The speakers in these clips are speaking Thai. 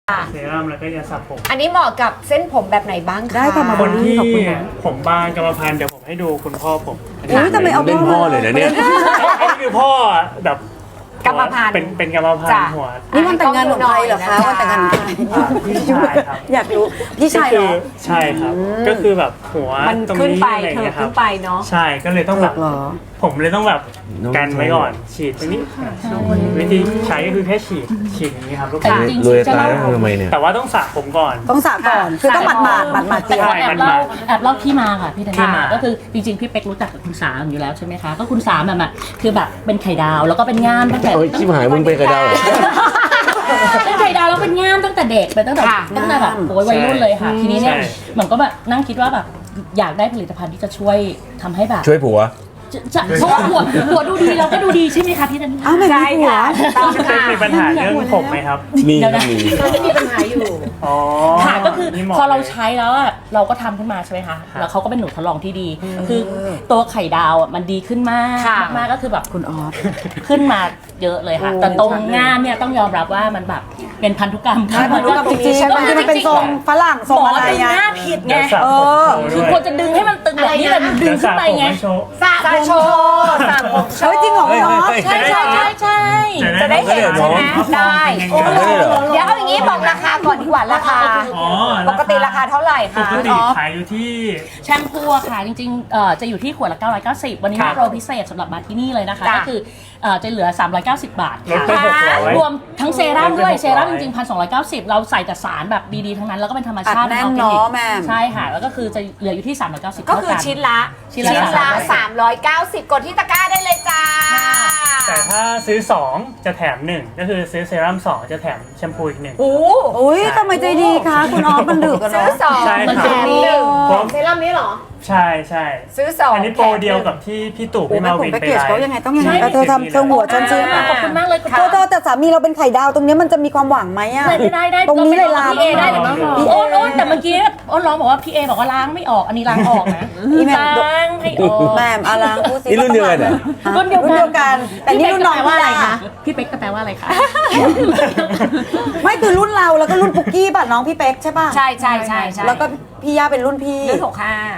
เซรั่มแล้วก็ยาสระผมอันนี้เหมาะกับเส้นผมแบบไหนบ้างคะได้ค่ะมาคนที่ผมบางกรรมพันธุ์เดี๋ยวผมให้ดูคุณพ่อผมอุ้ยทำไมเอาเล่นพ่อเลยนะเนี่ยอันนี้คือพ่อแบบกรรมพันธุ์เป็นกรรมพันธุ์หัวนี่วันแต่งงานของใครเหรอคะวันแต่งงานของใครพี่ชายครับอยากรู้พี่ชายเหรอใช่ครับ ก็คือแบบหัวมันตรงขึ้นนี้ไปอะไรอย่างเถิเงี้บยครัขึ้บนไปเนาะใช่ก็เลยต้องแบบเหรอผมเลยต้องแบบกันไว้ก่อนฉีดตรงนี้วิธีใช้ก็คือแค่ฉีดอย่างนี้ครับลูกค้ารวยตายแล้วทำไมเนี่ยแต่ว่าต้องสระผมก่อนต้องสระก่อนคือต้องหมาดเตียวใช่แอบเล่าที่มาค่ะพี่ธัญที่ญามาก็คือจริงๆพี่เป๊กรู้จักกับคุณสามอยู่แล้วใช่ไหมคะก็คุณสามแบบคือแบบเป็นไข่ดาวแล้วก็เป็นง่ามตั้งแต่โอ้ยชิบหายมึงเป็นกระดาวเหรอเป็นไข่ดาวแล้วเป็นง่ามตั้งแต่เด็กเป็นตั้งแต่แบบโอ้ยวัยรุ่นเลยค่ะ ทีนี้เนี่ยเหมือนก็แบบนั่งคิดว่าแบบอยากได้ผลิตภัณฑ์ที่จะช่วยทำให้แบบช่วยผัวจะเพราะว่าหัวดูดีเราก็ดูดีใช่ไหมคะพี่ธัญญาอ้าวไม่ใช่มีหัวค่ะต้องพี่เป๊กค่ะมีปัญหาเรื่องผมไหมครับมีเดี๋ยวนะมีจะมีปัญหาอยู่อ๋อค่ะก็คือนี่หมพอเราลยใช้แล้วอะเราก็ทำขึ้นมาใช่ไหมคะแล้วเขาก็เป็นหนูทดลองที่ดี คือตัวไข่ดาวอะมันดีขึ้นมากค่ะมากก็คือแบบคุณออสขึ้นมาเยอะเลยค่ะโอ้แต่ตรงง่ามเนี่ยต้องยอมรับว่ามันแบบเป็นพันธุกรรมใช่พันธุกรรมจริงๆมันมันเป็นทรงฝรั่งทรงอะไรดึงอ่ะหน้าผิดไงเดี๋ยวสระผมโชว์คือด้วยควรจะดึงให้มันตึงแบบนี้แต่ดึเดี๋ยงวสขึ้ระนไปผมไงให้โชว์สระโชว์สระผมโชเฮ้ยว์จริงเหรอคุณออสใช่ใช่ใช่ใช่จะได้เห็นใช่ไหมได้โอ้เดี๋ยวเอาอย่างนี้บอกราคาก่อนดีกว่าราคาอ๋อปกติราคาเท่าไหร่ปคะกติขายอยู่ที่แชมพูอะค่ะจริงๆจะอยู่ที่ขวดละ990วันนี้ครัมีบโปรพิเศษสำหรับมาที่นี่เลยนะคะจ้ะก็คือจะเหลือ390 บาทลดค่ะไป600 รวมทั้งเซรั่มด้วยลดไป600 เซรั่มจริงๆ1,290เราใส่แต่สารแบบดีๆทั้งนั้นแล้วก็เป็นธรรมชาติอัดแน่นออร์แกนิกเนาะแม่ใช่ค่ะแล้วก็คือจะเหลืออยู่ที่390 ก็คือชิ้นละชิ้นละ 390 กดที่ตะกร้าได้เลยจ้าแต่ถ้าซื้อ 2 จะแถม 1 ก็คือซื้อเซรั่ม2 จะแถมแชมพูอีก 1 โอ้อุ้ยทำไมใจดีคะคุณออสมันดึกกันซื้อเนาะสองใช่แถมหนึ่งผมเซรั่มนี้เหรอใช่ใช่ซื้อสองอันนี้โปรเดียวกับที่พี่ตู่โอ้พี่แม่มาผมวินไปไปเกจไลเขาฟ์ยังไงต้องยังไงเธอทำเธอหัวฉันซื้อขอบคุณมากเลยเธอแต่สามีเราเป็นไข่ดาวตรงนี้มันจะมีความหวังไหมอ่ะได้ตรงนี้เลยลามพี่เอได้เดี๋ยวพี่เอโอนแต่เมื่อกี้โอนร้องบอกว่าพี่เอบอกว่าล้างไม่ออกอันนี้ล้างออกนะอีแม่ล้างให้ออกแม่อาลังพูดสินี่รุ่นเดียวกันเหรอรุ่นเดียวกัน แต่นี่รุ่นน้องว่าอะไรพี่คะยาพี่เป๊กแปลว่าอะไรคะไม่คือรุ่นเราแล้วก็รุ่นปุกกี้ป่ะน้องพี่เป๊กใช่ป่ะใช่ใช่ใช่ใช่แล้วก็พี่ย่าเป็นรุ่นพี่รุ่น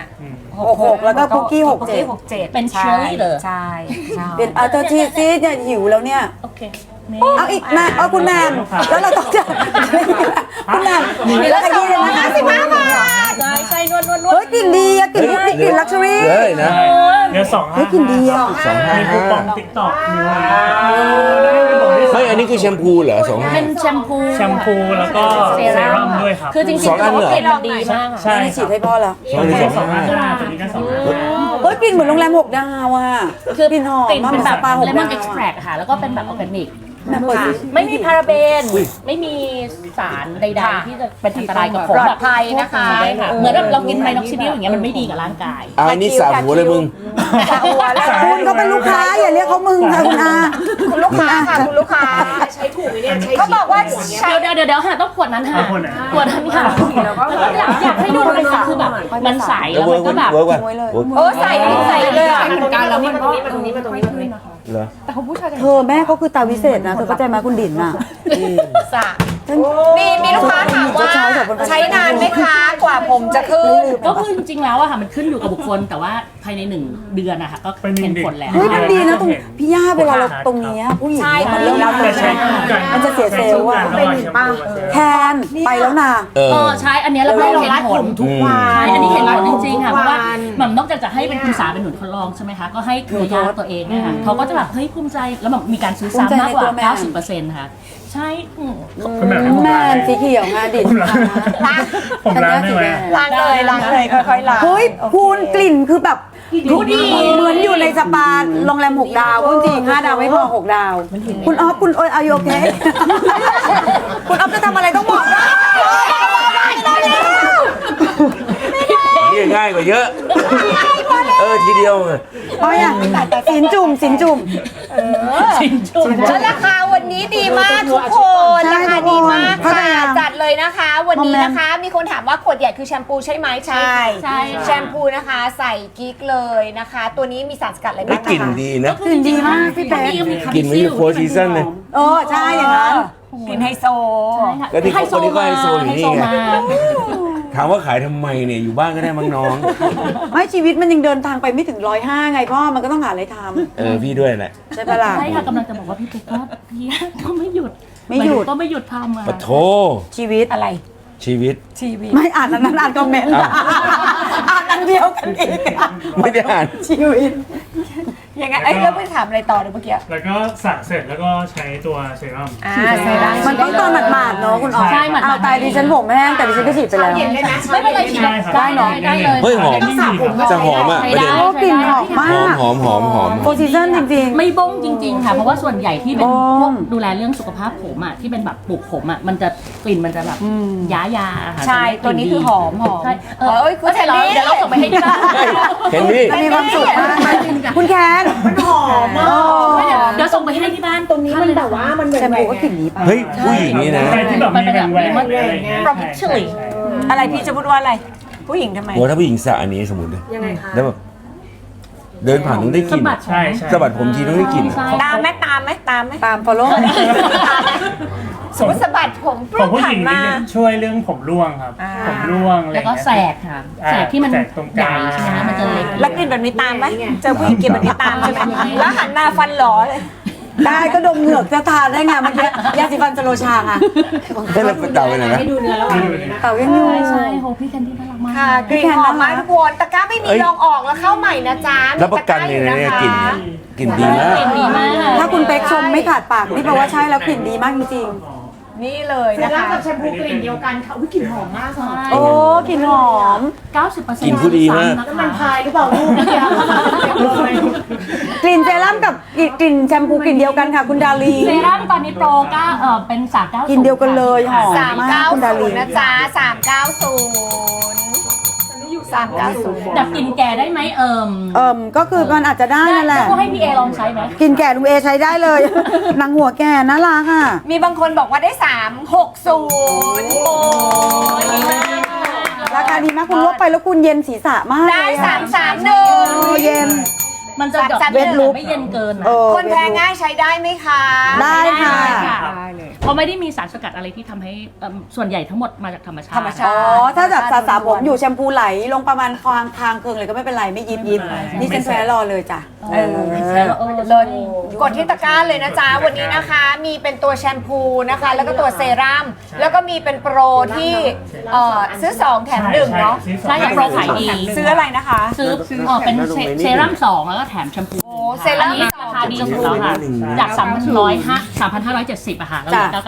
65 66แล้วก็ปุกกี้67 67 เป็น cheerleader ใช่ใช่เป็นเธอที่เนี่ยหิวแล้วเนี่ยโอเคเอาอีกแม่เอาคุณแม่แล้วเราต้องจะคุณแม่แล้วขยี้เลยนะ55 บาทใช่นวดเฮ้ยกลิ่นดีอะกลิ่นกลิ่นลักชัวรี่เลยนะเดี๋ยว2 เฮ้ยกลิ่นดีอะมีคูปองติ๊กต็อกมีอะไรเฮ้ยอันนี้คือแชมพูเหรอสองเป็นแชมพูแชมพูแล้วก็เซรั่มด้วยครับคือจริงๆสองอันเหรอกลิ่นมันดีมากใช่นี่ฉีดให้พ่อแล้วสองหนึ่งสองสองห้าห้าตัวนี้ก็2 เฮ้ยกลิ่นเหมือนโรงแรม6 ดาวอะคือกลิ่นหอมกลิ่นเป็นแบบสปาเล 6 มอดาน วเอ็กซ์แทรกค่ะแล้วก็เป็นแบบออร์แกนิกแม่เปิดสิไม่มีพาราเบน ไม่มีสารใดๆที่จะเป็นอันตรายกับผมปลอแบดบภัยนะคะใช่ค่ะเหมือนแบบเรากินไมน็อกซิดิลอย่างเงี้ยมันไม่ดีกับร่างกายอันนี้สาหัวเลยมึงสระหัวแล้วคุณก็เป็นลูกค้าอย่าเรียกเขามึงค่ะคุณอาคุณลูกค้าค่ะคุณลูกค้าใช้ถูกไหมเนี่ยเขาบอกว่าใช้เดี๋ยวค่ะต้องขวดนั้นค่ะเอาขวดไหนขวดนั้นค่ะแล้วก็อยากให้ดูมันคือแบบมันใสแล้วมันก็แบบเวิร์กว่ะโอ้ใส่เลยอ่ะเหมือนกันแล้วมันมาตรงนี้มาตรงนี้มาตรงนี้เหรอเธอแม่เขาคือตาวิเศษนะเธอเข้าใจไหมคุณดินน่ะสระมีลูกค้าถามว่าใช้นานไหมคะกว่าผมจะขึ้นก็คือจริงๆแล้วอะค่ะมันขึ้นอยู่กับบุคคลแต่ว่าภายใน1 เดือนนะคะก็เห็นผลแล้วเฮ้ยมันดีนะตรงพี่ย่าเวลาเราตรงนี้ผู้หญิงใช่มันเริ่มรับแต่ใช้คู่กันมันจะเสียเซลล์อะเป็นหนึ่งป่ะแทนไปแล้วนะเออใช่อันเนี้ยเราก็เห็นผลทุกวันใช่อันนี้เห็นผลจริงๆค่ะเพราะว่าหม่ำนอกจากจะให้เป็นคุณสาเป็นหนุนทดลองใช่ไหมคะก็ให้เครือญาติตัวเองเนี่ยค่ะเขาก็จะแบบเฮ้ยภูมิใจแล้วแบบมีการซื้อซ้ำมากกว่า 90%ค่ะใช่คุณแม่แม่สีเขียวงาดินผมล้างได้ไหมล้างเลยค่อยๆล้างเฮ้ยคุณกลิ่นคือแบบดูดีเหมือนอยู่ในสปาโรงแรม6 ดาวจริง5 ดาวไม่พอ6 ดาว คุณออฟคุณโอยอายุโอเคคุณออฟจะทำอะไรต้องบอกนะนี่ง่ายกว่าเยอะ ทีเดียวไงเอาอย่างสินจุ่มแล้วราคาวันนี้ดีมากทุกคนใช่ราคาดีมากเข้าใจค่ะยังจัดเลยนะคะ วันนี้นะคะ มีคนถามว่าขวดใหญ่คือแชมพูใช่ไหมใช่ใช่แชมพูนะคะใส่กิ๊กเลยนะคะ ตัวนี้มีสารสกัดอะไรไม่บ้างกลิ่นนะคะดีนะกลิ่นดีมากพี่เป๊กกลิ่นเหมือนอยู่โฟร์ซีซั่นเลยใช่อย่างนั้นกลิ่นไฮโซใช่ค่ะก็ที่เขาคนนี้ก็ไฮโซอยู่นี่ไงไฮโซมาถามว่าขายทำไมเนี่ยอยู่บ้านก็ได้มั้งน้องไม่ชีวิตมันยังเดินทางไปไม่ถึง105ไงพ่อมันก็ต้องหาอะไรทพี่ด้วยแหละำใช่ปะล่ะใช่ค่ะกำลังจะบอกว่าพี่เป๊กก็พี่ก็ไม่หยุดไม่หยุดก็ไม่หยุดทำอ่ะปะโทชีวิตอะไรชีวิตไม่อ่านอันนั้นอ่านคอมเมนต์อ้าวอ่านอันเดียวกันอีกอะไม่ได้อ่านชีวิตยังไงเอ้ยแล้วไปถามอะไรต่อเดี๋ยวเมื่อกี้แล้วก็สระเสร็จแล้วก็ใช้ตัวเซรั่มเซรั่มมันต้องตอนหมาดๆเนาะคุณอ๋อใช่หมัดๆเอาตายดิฉันผมแห้งแต่ดิฉันก็ฉีดไปแล้วไม่เป็นไรฉีดได้ครับได้เนาะได้เลยเฮ้ยหอมไม่มีครับจะหอมอ่ะใช้ประได้เด็นโอ้กลิ่นหอมมากหอมโฟร์ซีซั่นจริงๆไม่บ้งจริง ๆ ค่ะ เพราะว่าส่วนใหญ่ที่เป็นบ้งพวกดูแลเรื่องสุขภาพผมอ่ะที่เป็นแบบปลูกผมอ่ะมันจะกลิ่นมันจะแบบยาอะค่ะใช่ตัวนี้คือหอมใช่เอ้ยคุณแทนนี่เดี๋ยวเราส่งไปให้ที่บ้านเห็นดิมีความสุขมากคุณแคนมันหอมมากเดี๋ยวส่งไปให้ที่บ้านตรงนี้มันแบบว่ามันแชมพูก็กลิ่นนี้ไปเฮ้ยผู้หญิงนี่นะใครที่แบบมีแหวนแหวนอะไรอย่างเงี้ย Properly อะไรพี่จะพูดว่าอะไร ผู้หญิงทำไมโอ้ถ้าผู้หญิงสระอันนี้สมมติเลยยังไงคะแล้วแบบเดินผ่านต้องได้กสะลิ่นบัดใช่ใช่สะบัดผมทีต้องได้กลิ่นใช่ตามไหมตามไหมตามไหมตาม follow สมมติสะบัดผมขปุ๊องบผู้หผ่าญินงมานี่จะช่วยเรื่องผมร่วงครับ ผมร่วงอะไรอแล้วย่างก็เงี้ยแสกค่ะแสกที่มันแสกตรงกใหญ่ลางใช่ไหมคะมันจะเล็กแล้วกลิ่นแบบนี้ตามไหมเจอผู้หญิงกลิ่นแบบนี้ตามใช่ไหมแล้วหันมาฟันหลอเลยได้ก็ดมเหงือกจะทานได้ไงเมื่อกี้ยาสีฟันสโลชาค่ะได้แล้วเต่าไปไหนนะเต่ายังอยู่ใช่ใช่โหพี่แคนดี้น่ารักมากค่ะกลิ่นหอมมากทุกคนตะกร้าไม่มีเอ้ยลองออกแล้วเข้าใหม่นะจ๊ะมีรับประกันเลยนะเนี่ยกลิ่นกลิ่นดีมากกลิ่นดีมากถ้าคุณเป๊กชมไม่ขาดปากนี่แปลว่าใช่แล้วกลิ่นดีมากจริงนี่เลยนะคะกับแชมพูกลิ่นเดียวกันๆโอ้กลิ่นหอม 90% กลิ่นผู้ดีมากน้ำมันพายหรือเปล่าลูกกลิ่นเซรั่มกับกลิ่นแชมพูกลิ่นเดียวกันค่ะคุณดาลีเซรั่มตอนนี้โปรก็เป็น390 กลิ่นเดียวกันเลยหอม 390นะจ๊ะ390 ดับกลิ่นแก่ได้ไหมก็คือมันอาจจะได้นั่นแหละก็ให้พี่เอลองใช้ไหมกลิ่นแก่ลุงเอใช้ได้เลยนางหัวแก่น่ารักอ่ะมีบางคนบอกว่าได้ 360 โอ้ยดีมากราคาดีมากคุณลดไปแล้วคุณเย็นศีรษะมากได้เลยอะ 331 เย็นมันจะดอกเวทลุคไม่เย็นเกินนะคนแพ้ง่ายใช้ได้ไหมคะได้ค่ะเพราะไม่ได้มีสารสกัดอะไรที่ทำให้ส่วนใหญ่ทั้งหมดมาจากธรรมชาติธรรมชาติอ๋อ ถ้าแบบสระผมอยู่แชมพูไหลลงประมาณคางเคืองเลยก็ไม่เป็นไรไม่ยิบนี่ฉันแพ้รอเลยจ้ะเลิศกดที่ตะกร้าเลยนะจ๊ะ วันนี้นะคะ มีเป็นตัวแชมพูนะคะ แล้วก็ตัวเซรั่ม แล้วก็มีเป็นโปรที่ซื้อ 2 แถม 1 เนาะใช่ค่ะโปรขายดีซื้ออะไรนะคะซื้อเป็นเซรั่ม2แล้วก็แถมแชมพูโอ้เซรั่มอันนี้ราคาดีสุดแล้วค่ะจาก3,570อะค่ะแล้วเหลือ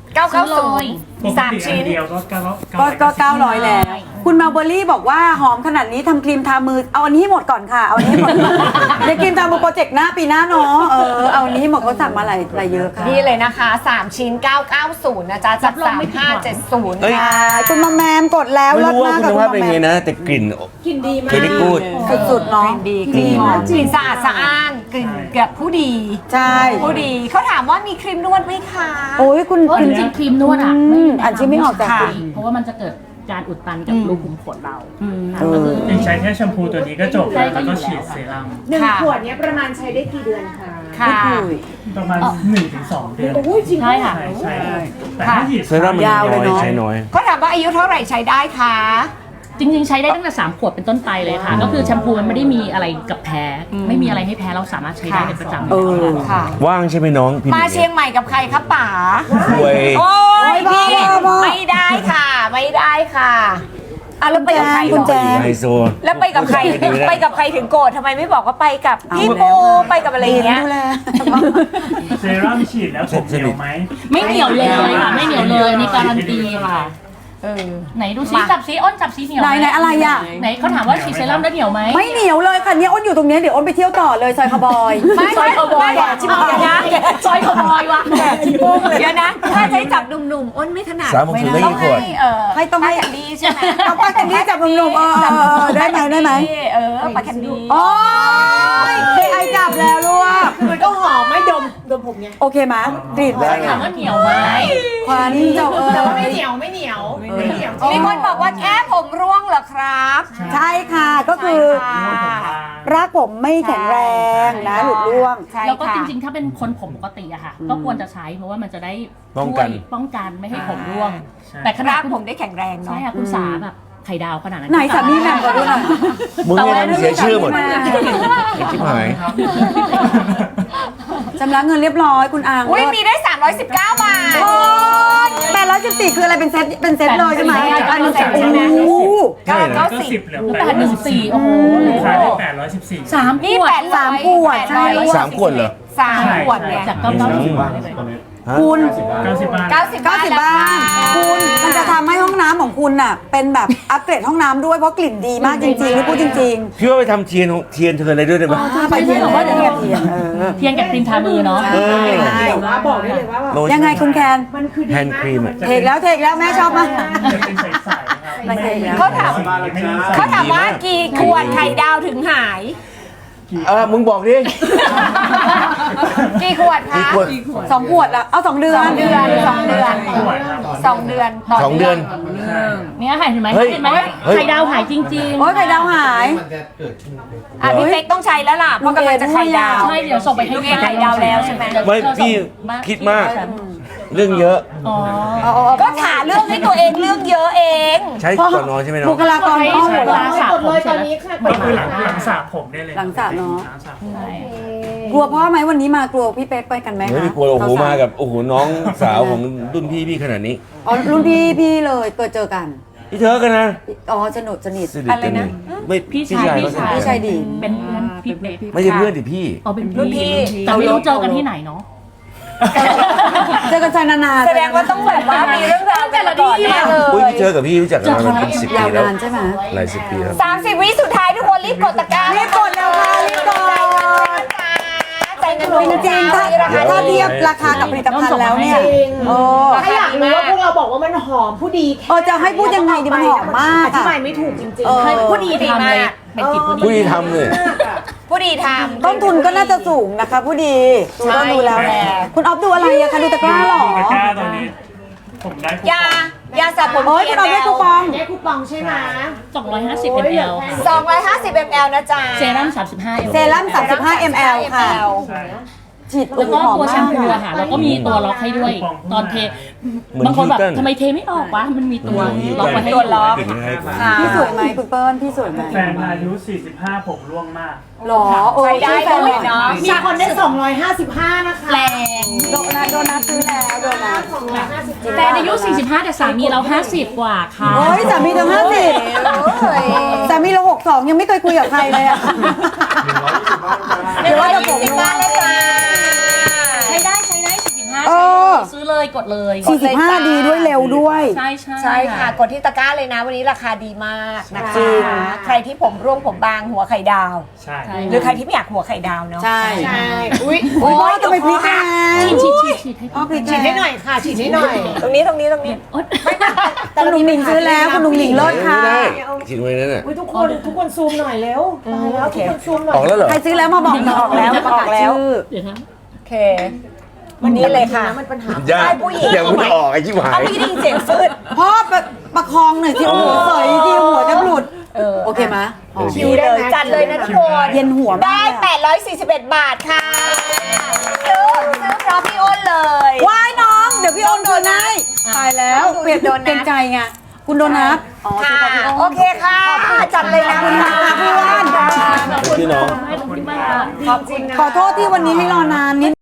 990 ปกติอันเดียวก็ก็900แล้ว คุณมาเบอรี่บอกว่าหอมขนาดนี้ทำครีมทามือเอาอันนี้ให้หมดก่อนค่ะเอาอันนี้ให้หมด เดี๋ยวครีมทามือโปรเจกต์หน้าปีหน้าเนาะเอาอันนี้ให้หมดเขาสั่งมาหลายเยอะค่ะนี่เลยนะคะ 3 ชิ้น 990 นะจ๊ะ จาก 3570 เอ้ยค่ะคุณมาแมมกดแล้วไม่เลิศรู้ว่ามากคุกับณคุณภาพมาเป็นแมไงมนะ แต่กลิ่นกลิ่นดีมากกูดสุดๆเนาะกลิ่นสะอาดสะอ้านกลิ่นแบบผู้ดีใช่ผู้ดีเขาถามว่ามีครีมนวดไหมคะโอ้ยคุณเพราะจริงๆครีมนวดอ่ะอ่านชื่อไม่ออกจากค่ะคุณเพราะว่ามันจะเกิดการอุดตันกับรูขุมขนเราเออจริงใช้แค่แชมพูตัวนี้ก็จบแล้วแล้วก็ฉีดเซรั่มค่ะขวดเนี้ยประมาณใช้ได้กี่เดือนคะค่ะประมาณ 1-2 เดือนใช่ค่ะใช่แต่ถ้าฉีดเซรั่มมันยาวเลยเนอะใช้น้อยเขาถามว่าอายุเท่าไหร่ใช้ได้คะจริงๆ ใช้ได้ตั้งแต่3 ขวบเป็นต้นไปเลยค่ะ ก็คือแชมพูมันไม่ได้มีอะไรกับแพ้ ไม่มีอะไรให้แพ้เราสามารถใช้ได้เป็นประจำค่ะว่างใช่ไหมน้องพี่มาเชียงใหม่กับใครครับป๋าป่วยโอ้ยพี่บ้าไม่ได้ค่ะ ไม่ได้ค่ะอ่ะแล้วไปกับใครคุณแจไฮโซแล้วไปกับใคร ไปกับใครถึงโกรธทำไมไม่บอกว่าไปกับพี่ปูไปกับอะไรอย่างเงี้ยดูแลเซรั่มฉีดแล้วผมเหนียวไหมไม่เหนียวเลยค่ะ ไม่เหนียวเลยนี่การันตีค่ะไหนดูซิจับซิอ้นจับซิเหนียวไหนอะไรอ่ะไหนเขาถามว่าฉีดเซรั่มแล้วเหนียวไหมไม่เหนียวเลยค่ะเนี่ยอ้นอยู่ตรงเนี้ยเดี๋ยวอ้นไปเที่ยวต่อเลยซอยคาวบอยไม่ซอยคาวบอยไม่ชิมเดี๋ยวนะซอยขโมยวะเดี๋ยวนะ ถ้าใช้จับหนุ่มๆอ้นไม่ถนัด 360ได้ต้องกี่ขให้วดต้องให้แคนดี้ใช่ไหมเอาป้าแคนดี้จับหนุ่มๆได้ไหมปาแคนดี้โอ้ยไอจับแล้วลูกมันก็หอมไม่ดมผมไงโอเคไหมกรีดเลยถามว่าเหนียวไหมควานี่เจ้าแต่ว่าไม่เหนียวไม่เหนียวไม่เหนียวมีคนบอกว่าแค่ผมร่วงเหรอครับใช่ค่ะก็คือใช่ค่ะรากผมไม่แข็งแรงนะหลุดร่วงใช่แล้วก็ค่ะจริงๆ ถ้าเป็นคนผมปกติอะค่ะ ก็ควรจะใช้เพราะว่ามันจะได้ป้องกันช่วยป้องกันไม่ให้ผมร่วงใช่แต่ขนาดรากผมได้แข็งแรงเนาะใช่ค่ะคุณสาแบบไข่ดาวขนาดนั้นไหนสามีแหม่มขอดูหน่อยมึงเนี่ยทำเสียชื่อหมดแต่ว่าไอ้ชิบหายชำระเงินเรียบร้อยคุณอังอุ้ยมีได้ 319 บาทโอ้ย814คืออะไรเป็นเซตเลยใช่ไหมใช่อันนี้ใช่โอ้โหใช่นะก็10เหลือ 814โอ้โหขายได้814 3 นี่ขวด 800 สามขวดใช่ 3 ขวดเหรอ 3 ขวดเนี่ยจาก990 บาทฮะคุณ 90 บาท 90 บาท 90 บ้านคุณมันจะทำให้ห้องน้ำของคุณน่ะเป็นแบบอัปเกรดห้องน้ำด้วยเพราะกลิ่นดีมากจริงๆนี่พูดจริงพี่ว่าไปทำเทียนเธออะไรด้วยได้ไหมๆถ้าไปเทียนบอกว่าเดี๋ยวเทียนเทียนกับครีมทามือเนาะเออแต่ว่าบอกได้เลยว่าแบบโลชั่นยังไงคุณแคนมันคือดีแฮนด์มาครีมอะกเทกแล้วแม่ชอบมากจะเป็นใสๆครับมันเทกแล้วเขาถามว่ากี่ขวดไข่ดาวถึงหายมึงบอกดิกี่ขวดกี่คะขวด 2 ขวดละเอา2 เดือน 2 เดือน 2 เดือนขวดครับ 2 เดือนต่ 2 เดือนเนี่ยค่ะเห็นไหมเฮ้ยเห็นไหมเฮ้ยไข่ดาวหายจริงโอ้ยไข่ดาวหายอ่ะพี่เป๊กต้องใช้แล้วล่ะเพราะกำลังจะไข่ดาวๆ ใช่เดี๋ยวส่งไปให้ลูกเอไข่ดาวแล้วใช่ไหมไม่พี่คิดมาก เรื่องเยอะอ๋อก็หาเรื่องให้ตัวเองเรื่องเยอะเองใช้ก่อนนอนใช่ไหมน้บุองคลากรห้องใช่หลังสระผมตอนนี้ค่ะก็คือหลังสระผมได้เลยหลังสระเนอะหลังสระผมกลัวพ่อไหมวันนี้มากลัวพี่เป๊กไปกันไหมไม่คะมีกลัวโอ้โหมากับโอ้โหน้องสาวของรุ่นพี่ขนาดนี้อ๋อรุ่นพี่เลยเคยเจอกันพี่เธอกันนะอ๋อสนุกสนิทสนิทกันนี่ไม่พี่ชายพี่ชายดีเป็นเพื่อนพี่เป๊กไม่ใช่เพื่อนดิพี่อ๋อเป็นรุ่นพี่แต่ไม่รู้เจอกันที่ไหนเนาะเจอกันใจนานๆแสดงว่าต้องแบบว่ามีเรื่องราวกันมาก่อนแน่เลอุ้ยยพี่เจอกับพี่รู้จักกันมาเป็น10 ยาปีวแล้วนานใช่ไหมหลาย10 ปีแล้ว 30 วิสุดท้ายทุกคนรีบกดตะกร้ารีบกดแล้วค่ะรีบกดใจเงินจริงๆถ้าเทียบราคากับผลิตภัณฑ์แล้วเนี่ยจริงโอ้ถ้าอยากรู้ว่าพวกเราบอกว่ามันหอมผู้ดีแค่จะให้พูดยังไงดีมันหอมมากอธิอะบายไม่ถูกจริงเออๆผู้ดีทำเลยเป็นกิจผู้ผู้ดีที่ทำเลยผู้ดีทำต้นทุนก็น่าจะสูงนะคะผู้ดีดูต้นดูแล้วใช่คุณออฟดูอะไรอะคะดูตะกร้าเหรอตะกร้าตอนนี้ ผมได้คูปองยาสระผมโอ้ยคุณออฟได้คูปองได้คูปองใช่ไหม 250 ml ค่ะ 250 ml นะจ๊ะเซรั่ม35 ml เซรั่ม35 ml ค่ะใช่ฉีดแล้วก็หอมตัวแชมาม กพูอะค่ะแล้วก็มีตัวล็อกให้ด้วย ตอนเท บางคนแบบทำไมเทไม่ออกวะมันมีตัวล็อกไว้ให้ตัวล็อกกลิ่นให้ค่ะพี่สวยไหมคุณเปิ้ลพี่สวยไหมแฟนอายุ 45 ผมร่วงมากหรอโอ้ใช้ได้เลยเนาะมีคนได้ 255 นะคะแรงโดนัทซื้อแล้วโดนัทแฟนอายุ 45 แต่สามีเรา 50 กว่าค่ะโอ้ยสามีตั้ง50สามีเรา62ยังไม่เคยคุยกับใครเลยอะเดี๋ยวว่าจะผมว่าแล้วจ้าใช้ได้45 เอใช้อเลยซื้อเลยกดเลย 45ดีด้วยเร็วด้วยใช่ใช่ค่ะ กดที่ตะกร้าเลยนะ วันนี้ราคาดีมากนะจริคะงใครที่ผมร่วงผมบางหัวไข่ดาวใช่หรือใครที่ไม่อยากหัวไข่ดาวเนาะใช่ใช่ อุ้ยโอ้ยทำไมพลิกแรงฉีดให้อ๋อพลิกฉีดให้หน่อยค่ะ ฉีดให้หน่อยตรงนี้โอ๊ยคุณลุงหนิงซื้อแล้วคุณลุงหนิงเลิศค่ะไม่ได้ฉีดไว้นั่นน่ะอุ้ยทุกคนซูมหน่อยเร็วตายแล้วทุกคนซูมหน่อยออกแล้วเหรอใครซื้อแล้วมาบอกหน่อยออกแล้วประกาศชื่อเดี๋ยวนะโอเค วันนี้เลยค่ะมันปัญหายากได้ผู้หญิงอย่างมึงออกไอ้ชิบหาเอายไม่ได้ยินเสียงฟืดพ่อประคองหน่อยที่หัวเสยที่หัวจะหลุดโอเคไหมคิวเลยจัดเลยนะทุกคนเย็นหัวมากได้ 841 บาทค่ะซื้อเพราะพี่อ้นเลยว้ายน้องเดี๋ยวพี่โอนโดนให้ตายแล้วเปลี่ยนโดนนะเกรงใจไงคุณโดนัทอ๋อค่ะซื้อกับพี่โอนโอเคค่ะ จัดเลยนะขอบคุณค่ะเพื่อนพี่น้องขอบคุณมากขอบคุณนะขอโทษที่วันนี้ให้รอนานนิด